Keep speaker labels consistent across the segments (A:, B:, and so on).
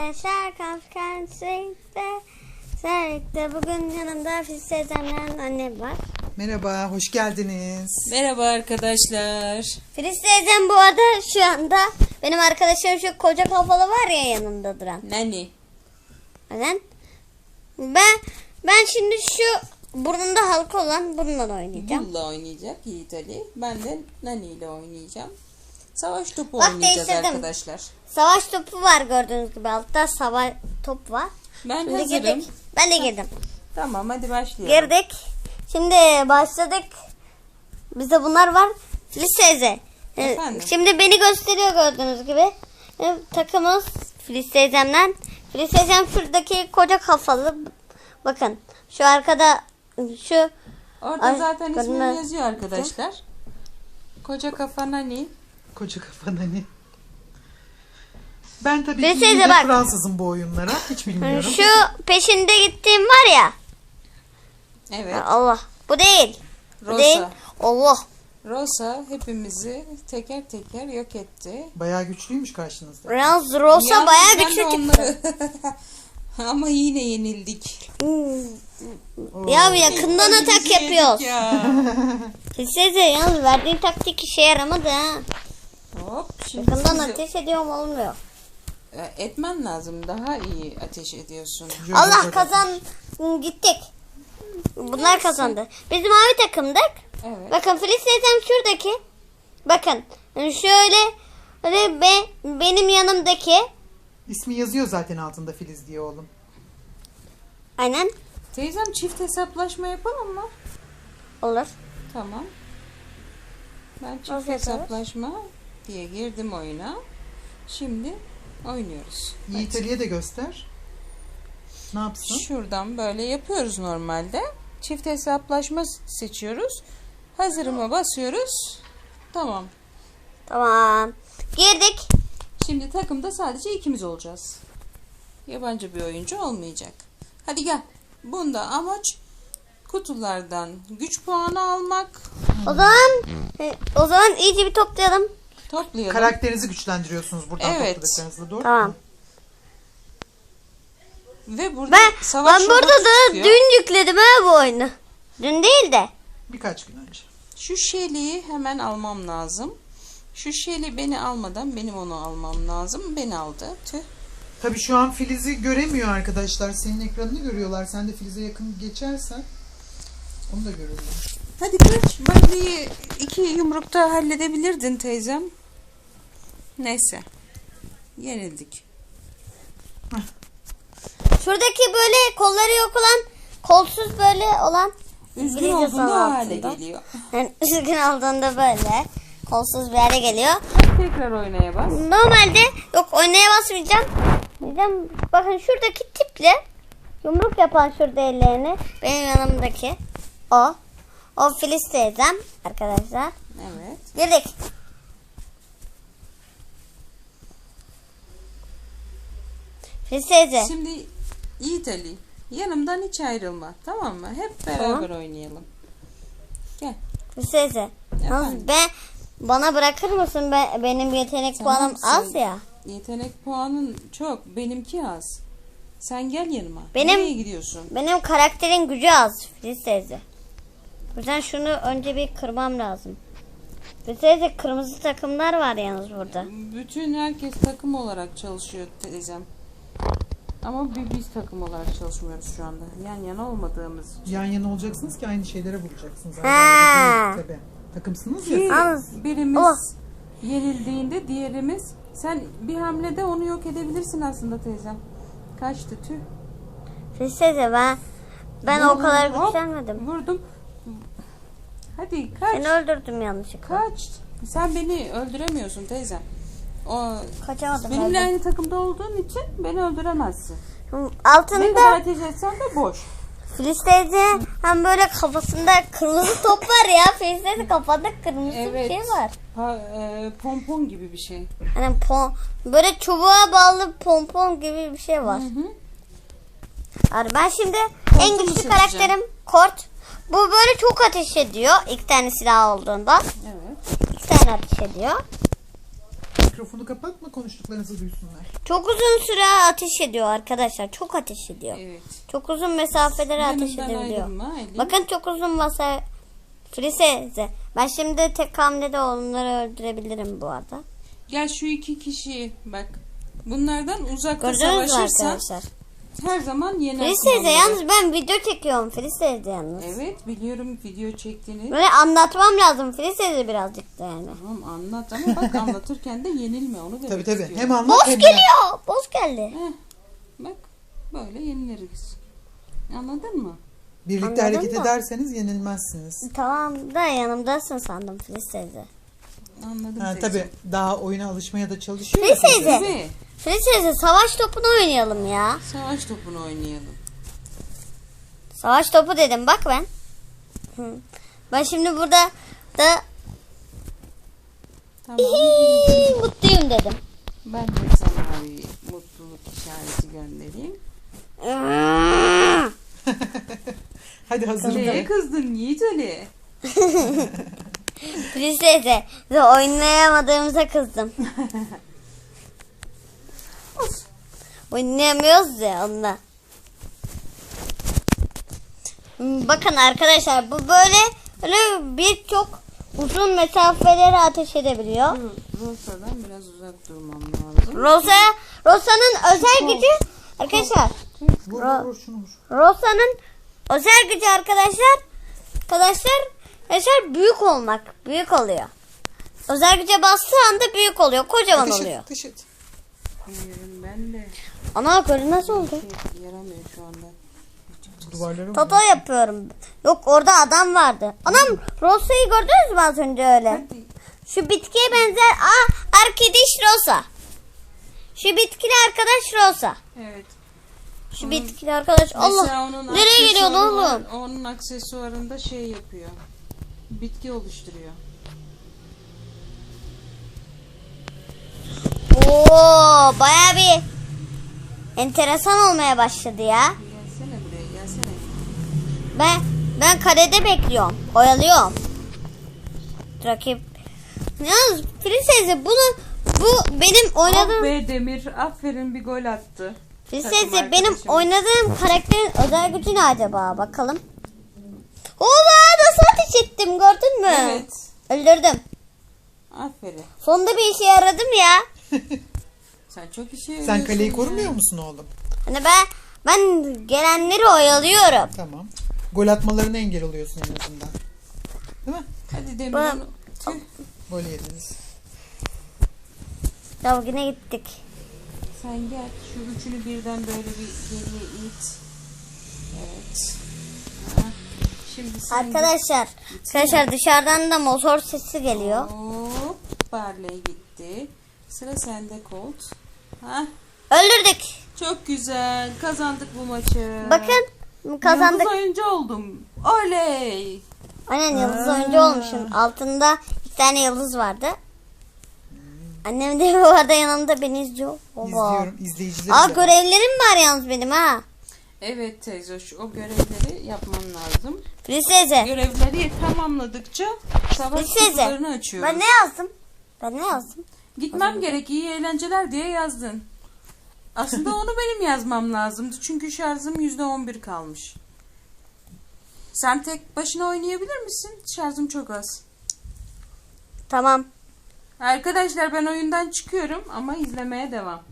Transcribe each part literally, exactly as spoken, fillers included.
A: arkadaşlar, konferansıydı. Serlikte bugün yanımda Filiz teyzemden annem var.
B: Merhaba, hoş geldiniz.
C: Merhaba arkadaşlar.
A: Filiz teyzem bu arada şu anda benim arkadaşım şu koca kafalı var ya yanımda duran.
C: Nani.
A: Neden? Ben ben şimdi şu burnunda halka olan bununla oynayacağım.
C: Bulla oynayacak Yiğit Ali. Ben de Nani ile oynayacağım. Savaş topu
A: Bak,
C: oynayacağız
A: değiştirdim.
C: arkadaşlar.
A: Savaş topu var gördüğünüz gibi, altta savaş top var.
C: Ben
A: Şimdi
C: hazırım.
A: girdik. Ben de girdim.
C: Tamam, hadi başlayalım.
A: Girdik. Şimdi başladık. Bizde bunlar var. Filiz teyze. Ee,
C: Efendim?
A: Şimdi beni gösteriyor gördüğünüz gibi. Ee, Takımız Filiz teyzemden. Filiz teyzem şuradaki koca kafalı. Bakın şu arkada şu.
C: Orada
A: Ay,
C: zaten ismim
A: görünmez.
C: yazıyor arkadaşlar. Koca kafa Nani.
B: Koca kafa Nani. Ben tabii
A: Filiz
B: ki
A: teyze
B: yine
A: bak.
B: Fransızım bu oyunlara. Hiç bilmiyorum.
A: Şu peşinde gittiğim var ya.
C: Evet.
A: Allah. Bu değil. Bu
C: Rosa.
A: değil. Allah.
C: Rosa hepimizi teker teker yok etti.
B: Bayağı güçlüymüş karşınızda.
A: Yalnız Rosa
C: Yalnız
A: bayağı
C: ben
A: güçlü
C: de
A: çıktı.
C: onları... Ama yine yenildik.
A: Ya yakından
C: Ay,
A: atak
C: bizi yedik
A: yapıyoruz.
C: ya.
A: Filiz teyze yalnız verdiğin taktik işe yaramadı ha.
C: Hop. Şimdi
A: Yakından
C: sizi-
A: ateş ediyorum olmuyor.
C: E, etmen lazım. Daha iyi ateş ediyorsun.
B: Şöyle
A: Allah
B: bakalım.
A: kazan gittik. Bunlar kazandı. Biz mavi takımdık.
C: Evet.
A: Bakın Filiz teyzem şuradaki. Bakın şöyle böyle be, benim yanımdaki.
B: İsmi yazıyor zaten altında Filiz diye oğlum.
A: Aynen
C: Teyzem çift hesaplaşma yapalım mı?
A: olur.
C: Tamam. Ben çift
A: Nasıl yaparız?
C: hesaplaşma diye girdim oyuna. Şimdi oynuyoruz.
B: Yiğit Ali'ye de göster. Ne yapsın?
C: Şuradan böyle yapıyoruz normalde. Çift hesaplaşma seçiyoruz. Hazırıma basıyoruz. Tamam.
A: Tamam. Girdik.
C: Şimdi takımda sadece ikimiz olacağız. Yabancı bir oyuncu olmayacak. Hadi gel. Bunda amaç kutulardan güç puanı almak.
A: O zaman e, o zaman iyice bir toplayalım.
C: Toplayalım.
B: Karakterinizi güçlendiriyorsunuz buradan
C: Evet.
B: topladıklarınızla, doğru
A: Tamam.
B: mu?
C: Ve burada
A: Ben
C: savaş
A: ben burada
C: robotu
A: da
C: çıkıyor.
A: dün yükledim ha bu oyunu. Dün değil de.
B: Birkaç gün önce.
C: Şu Shelly'yi hemen almam lazım. Şu Shelly beni almadan benim onu almam lazım. Beni aldı. Tüh.
B: Tabii şu an Filiz'i göremiyor arkadaşlar. Senin ekranını görüyorlar. Sen de Filiz'e yakın geçersen onu da görürler.
C: Hadi kaç. Barley'i iki yumrukta halledebilirdin teyzem. Neyse. Yenildik.
A: Şuradaki böyle kolları yok olan, kolsuz böyle olan
C: Üzgün
A: İngilizce
C: olduğunda o
A: sanatında.
C: hale geliyor.
A: Yani üzgün olduğunda böyle kolsuz bir hale geliyor.
C: Tekrar oynaya bas.
A: Normalde yok, oynaya basmayacağım. Diyeceğim, bakın şuradaki tiple yumruk yapan şurada ellerini, benim yanımdaki o. O Filiz teyzem arkadaşlar.
C: Evet.
A: Girdik. Filiz teyze.
C: Şimdi Yiğit Ali, yanımdan hiç ayrılma. Tamam mı? Hep beraber
A: Tamam.
C: oynayalım. Gel.
A: Filiz teyze. Yalnız
C: Efendim?
A: ben, bana bırakır mısın? Ben, benim yetenek
C: Tamam,
A: puanım
C: sen-
A: az ya.
C: Yetenek puanın çok. Benimki az. Sen gel yanıma.
A: Benim-
C: Nereye gidiyorsun?
A: Benim karakterin gücü az Filiz teyze. O yüzden şunu önce bir kırmam lazım. Filiz teyze, kırmızı takımlar var yalnız burada.
C: Bütün herkes takım olarak çalışıyor teyzem. Ama bir biz takım olarak çalışmıyoruz şu anda. Yan yana olmadığımız için.
B: Yan yana olacaksınız ki aynı şeylere vuracaksınız.
A: Ha.
B: Aynı değil, tabii. Takımsınız ya.
C: Ki
A: Yalnız-
C: birimiz
A: Oh.
C: yenildiğinde diğerimiz, sen bir hamlede onu yok edebilirsin aslında teyzem. Kaçtı tüh.
A: Filiz teyze, ben ben o
C: Vurdum,
A: kadar
C: hop,
A: güçlenmedim.
C: Vurdum. Hadi kaç.
A: Seni öldürdüm yanlışlıkla.
C: Kaç. Sen beni öldüremiyorsun teyzem. O
A: Kaçamadım.
C: benimle
A: öldüm.
C: aynı takımda olduğun için beni öldüremezsin. Ne
A: Altında
C: kadar ateş etsen de boş.
A: Filiz teyze hem böyle kafasında kırmızı top var ya. Filiz teyze kafanda kırmızı
C: Evet.
A: bir şey var.
C: Pa, e, pompon gibi bir şey.
A: Hani pon, böyle çubuğa bağlı pompon gibi bir şey var.
C: Hı hı.
A: Yani ben şimdi
C: Kort'u
A: en
C: mu
A: güçlü
C: seçeceğim?
A: karakterim Kort. Bu böyle çok ateş ediyor. İki tane silah olduğunda.
C: Evet.
A: İki tane ateş ediyor.
B: mikrofonu kapatma, konuştuklarınızı duysunlar.
A: Çok uzun süre ateş ediyor arkadaşlar. Çok ateş ediyor.
C: Evet.
A: Çok uzun mesafelere ateş
C: Yanımdan
A: edebiliyor.
C: ayrılma Aylin.
A: Bakın çok uzun mesafe. Frise. Ben şimdi tek hamlede onları öldürebilirim bu arada.
C: Gel şu iki kişiyi bak. Bunlardan uzakta
A: Gördünüz mü
C: savaşırsan
A: arkadaşlar?
C: her zaman yenersin
A: Frise
C: onları.
A: yalnız ben video çekiyorum. Frise yalnız.
C: Evet biliyorum video çektiğini.
A: Böyle anlatmam lazım. Frise birazcık da yani.
C: Tamam anlat ama bak anlatırken de yenilme onu demek
B: Tabii tabii.
C: istiyorum.
B: Hem anlat
A: Boss
B: hem yap.
A: geliyor. Boss geldi.
C: Heh, bak böyle yeniliriz. Anladın mı?
B: Birlikte
A: Anladın
B: hareket
A: mı?
B: ederseniz yenilmezsiniz.
A: Tamam da yanımdasın sandım Frise.
C: Anladım
B: Ha,
C: teyze.
B: tabii daha oyuna alışmaya da çalışıyor. ya
A: Frise.
B: teyze.
C: Tabii.
A: Frise savaş topunu oynayalım ya.
C: Savaş topunu oynayalım.
A: Savaş topu dedim bak ben. Hı. Ben şimdi burada da
C: Tamam.
A: mutluyum dedim.
C: Ben de sana bir mutluluk işareti göndereyim.
B: Hadi hazırım
C: Neye
B: de.
C: kızdın Yiğit Ali?
A: Frise de oynayamadığımıza kızdım. Oynayamıyoruz ya onunla. Bakın arkadaşlar bu böyle böyle birçok uzun mesafeleri ateş edebiliyor.
C: Rosa'dan biraz uzak durmam lazım.
A: Rosa Rosa'nın özel gücü arkadaşlar.
B: Vur
A: Ro-
B: vur vur şunu vur.
A: Rosa'nın özel gücü arkadaşlar. Arkadaşlar arkadaşlar büyük olmak. Büyük oluyor. Özel güce bastığı anda büyük oluyor. Kocaman
B: Ateş et,
A: oluyor.
B: ateş et.
C: Bilmiyorum ben de.
A: Ana böyle nasıl oldu?
C: Şey yaramıyor şu anda.
B: Duvarlara vur.
A: Toto yapıyorum. Yok orada adam vardı. Anam Rosa'yı gördünüz mü az önce öyle?
C: Hadi.
A: Şu bitkiye benzer. Aa arkadaş Rosa. Şu bitkili arkadaş Rosa.
C: Evet.
A: Şu bitkili arkadaş. Allah.
C: Mesela onun
A: Nereye geliyordu
C: aksesuarı var,
A: oğlum?
C: Onun aksesuarında şey yapıyor. Bitki oluşturuyor.
A: Oo baya bir enteresan olmaya başladı ya.
C: Gelsene buraya gelsene.
A: Ben ben kalede bekliyorum. Oyalıyorum. Rakip. Yalnız Prinsesi bunu bu benim
C: Ah
A: oynadığım
C: be Demir aferin bir gol attı.
A: Prinsesi
C: Takım
A: benim
C: arkadaşım.
A: oynadığım karakterin özel gücü ne acaba bakalım. Oba nasıl ateş ettim gördün mü?
C: Evet.
A: Öldürdüm.
C: Aferin.
A: Sonunda bir işe yaradım ya.
C: Sen çok işe
B: Sen
C: yarıyorsun
B: kaleyi
C: ya.
B: korumuyor musun oğlum?
A: Hani ben ben gelenleri oyalıyorum.
B: Tamam. Gol atmalarına engel oluyorsun en azından. Değil mi?
C: Hadi Demir
A: Ben-
C: onu. Tüh.
B: Gol yediniz.
A: Ya yine gittik.
C: Sen gel şu üçünü birden böyle bir geriye it. Evet. Ha. Şimdi sen
A: Arkadaşlar, arkadaşlar dışarıdan da motor sesi geliyor.
C: Hop. Barley gitti. Sıra sende Colt. Ha.
A: Öldürdük.
C: Çok güzel. Kazandık bu maçı.
A: Bakın kazandık.
C: Yıldız oyuncu oldum. Oley.
A: Aynen yıldız
B: Aa.
A: oyuncu olmuşum. Altında bir tane yıldız vardı. Annem de bu arada yanımda beni izliyor. Oba.
B: İzliyorum. İzleyicilerim
A: Aa
B: de var.
A: görevlerim var yalnız benim ha.
C: Evet teyze şu o görevleri yapman lazım.
A: Prinsese.
C: Görevleri tamamladıkça savaş
A: Prinsese.
C: kutularını açıyoruz.
A: Ben ne yazdım? Ben ne yazdım?
C: Gitmem gerek iyi eğlenceler diye yazdın. Aslında onu benim yazmam lazımdı. Çünkü şarjım yüzde on bir kalmış. Sen tek başına oynayabilir misin? Şarjım çok az.
A: Tamam.
C: Arkadaşlar ben oyundan çıkıyorum ama izlemeye devam.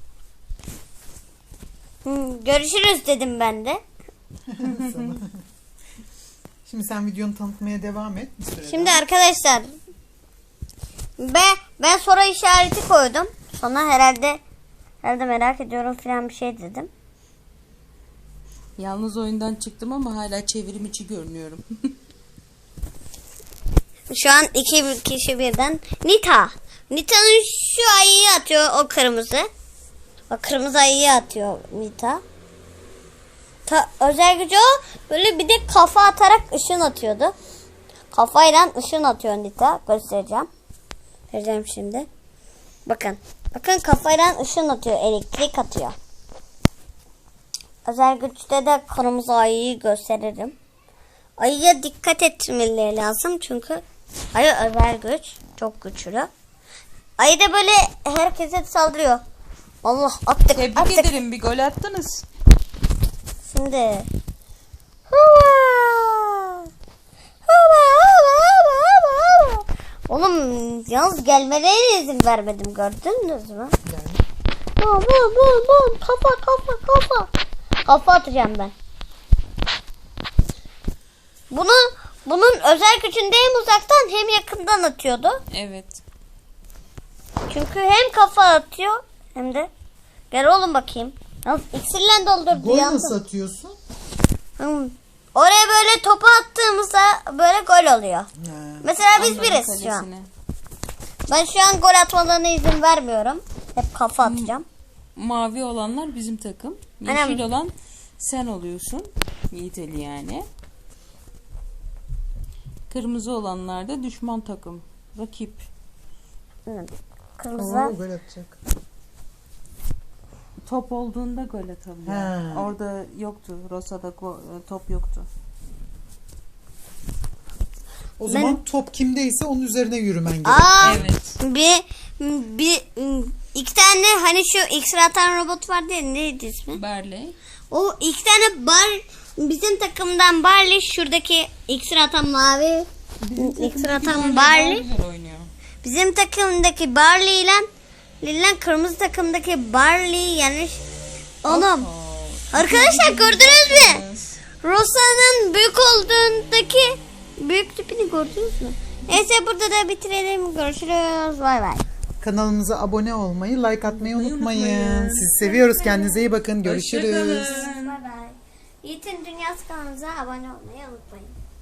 A: Hı, görüşürüz dedim ben de.
B: Şimdi sen videonu tanıtmaya devam et. Bir süre
A: Şimdi
B: daha.
A: arkadaşlar ben, ben soru işareti koydum. Sonra herhalde herhalde merak ediyorum falan bir şey dedim.
C: Yalnız oyundan çıktım ama hala çevrim içi görünüyorum.
A: Şu an iki kişi birden. Nita. Nita'nın şu ayıyı atıyor o kırmızı. O kırmızı ayıyı atıyor Nita. Ta, özel gücü o. Böyle bir de kafa atarak ışın atıyordu. Kafayla ışın atıyor Nita. Göstereceğim. Vereceğim şimdi. Bakın. Bakın kafayla ışın atıyor. Elektrik atıyor. Özel güçte de kırmızı ayıyı gösteririm. Ayıya dikkat etmeleri lazım çünkü ayı özel güç. Çok güçlü. Ayı da böyle herkese saldırıyor. Allah attık
C: Tebrik
A: attık.
C: ederim, bir gol attınız.
A: Şimdi. Hava. Hava hava hava hava hava. Oğlum yalnız gelmelerine izin vermedim, gördünüz mü?
B: Yani.
A: Bum bum bum bum. Kafa kafa kafa. Kafa atacağım ben. Bunu bunun özel gücünde hem uzaktan hem yakından atıyordu.
C: Evet.
A: Çünkü hem kafa atıyor hem de. Gel oğlum bakayım. Yalnız iksirle doldurdu.
B: Gol
A: yandım.
B: nasıl atıyorsun?
A: Hmm. Oraya böyle topu attığımızda böyle gol oluyor.
B: Ha.
A: Mesela biz
C: Onların
A: biriz şu an.
C: kalesine.
A: Ben şu an gol atmalarına izin vermiyorum. Hep kafa atacağım.
C: Mavi olanlar bizim takım.
A: Anam.
C: Yeşil olan sen oluyorsun. Yiğit Ali yani. Kırmızı olanlar da düşman takım. Rakip.
A: Hmm. Kırmızı.
B: Oo, gol atacak.
C: Top olduğunda gol atabiliyor.
B: Ha.
C: Orada yoktu. Rosa'da go- top yoktu.
B: O zaman top kimdeyse onun üzerine yürümen gerekiyor.
A: Aa,
C: Evet.
A: bir, bir, iki tane hani şu iksir atan robot vardı ya, neydi ismi?
C: Barley.
A: O iki tane bar, bizim takımdan Barley, şuradaki iksir atan mavi iksir atan Barley.
C: Güzel oynuyor.
A: Bizim takımdaki Barley ile ile kırmızı takımdaki Barley yanlış. Oğlum arkadaşlar gördünüz mü? Rosa'nın büyük olduğundaki büyük tipini gördünüz mü? Neyse burada da bitirelim. Görüşürüz. Bay bay.
B: Kanalımıza abone olmayı, like atmayı
C: Unutmayın.
B: unutmayın. Sizi seviyoruz. Kendinize iyi bakın. Görüşürüz.
C: Hoşçakalın.
A: Bay bay. Yiğit'in Dünyası kanalımıza abone olmayı unutmayın.